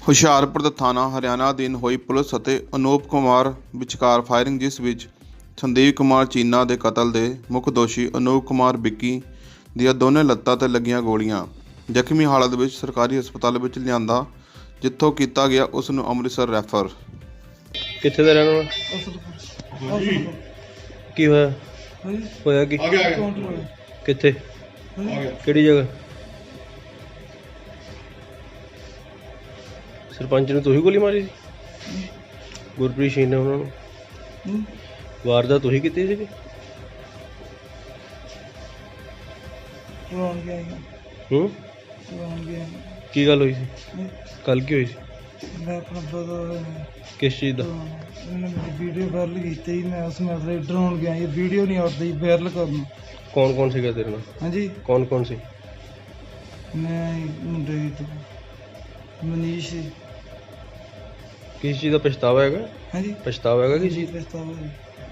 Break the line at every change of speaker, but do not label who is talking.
ਹੁਸ਼ਿਆਰਪੁਰ ਦਾ ਥਾਣਾ ਹਰਿਆਣਾ ਅਧੀਨ ਹੋਈ ਪੁਲਿਸ ਅਤੇ ਅਨੂਪ ਕੁਮਾਰ ਵਿਚਕਾਰ ਫਾਇਰਿੰਗ, ਜਿਸ ਵਿੱਚ ਸੰਦੀਪ ਕੁਮਾਰ ਚੀਨਾ ਦੇ ਕਤਲ ਦੇ ਮੁੱਖ ਦੋਸ਼ੀ ਅਨੂਪ ਕੁਮਾਰ ਵਿੱਕੀ ਦੀਆਂ ਦੋਨੇ ਲੱਤਾਂ 'ਤੇ ਲੱਗੀਆਂ ਗੋਲੀਆਂ। ਜ਼ਖਮੀ ਹਾਲਤ ਵਿੱਚ ਸਰਕਾਰੀ ਹਸਪਤਾਲ ਵਿੱਚ ਲਿਆਂਦਾ, ਜਿੱਥੋਂ ਕੀਤਾ ਗਿਆ ਉਸ ਨੂੰ ਅੰਮ੍ਰਿਤਸਰ ਰੈਫਰ।
ਕਿੱਥੇ ਦਾ ਰਹਿਣ ਵਾਲਾ? ਕੀ ਹੋਇਆ? ਹੋਇਆ ਕੀ? ਕਿੱਥੇ? ਕਿਹੜੀ ਜਗ੍ਹਾ? ਸਰਪੰਚ ਨੂੰ ਤੁਸੀਂ ਗੋਲੀ ਮਾਰੀ ਸੀ? ਗੁਰਪ੍ਰੀਤ ਸਿੰਘ ਨੇ ਉਹਨਾਂ ਨੂੰ ਵਾਰਦਾਤ ਤੁਸੀਂ ਕੀਤੀ ਸੀਗੀ? ਹੂੰ, ਕੀ ਗੱਲ ਹੋਈ ਸੀ ਕੱਲ? ਕੀ ਹੋਈ ਸੀ?
मैं अपना पता
किस चीज़ का?
मैंने मेरी वीडियो वायरल की, मैं उसमें ड्रोन गया, ये वीडियो नहीं आती वायरल करना।
कौन कौन सी तेरे नाल?
हाँ जी,
कौन कौन सी?
मैं मुंडे तो मनीष।
किस चीज़ का पछतावा है?
हाँ जी,
पछतावा है किस चीज़?
पछतावा है।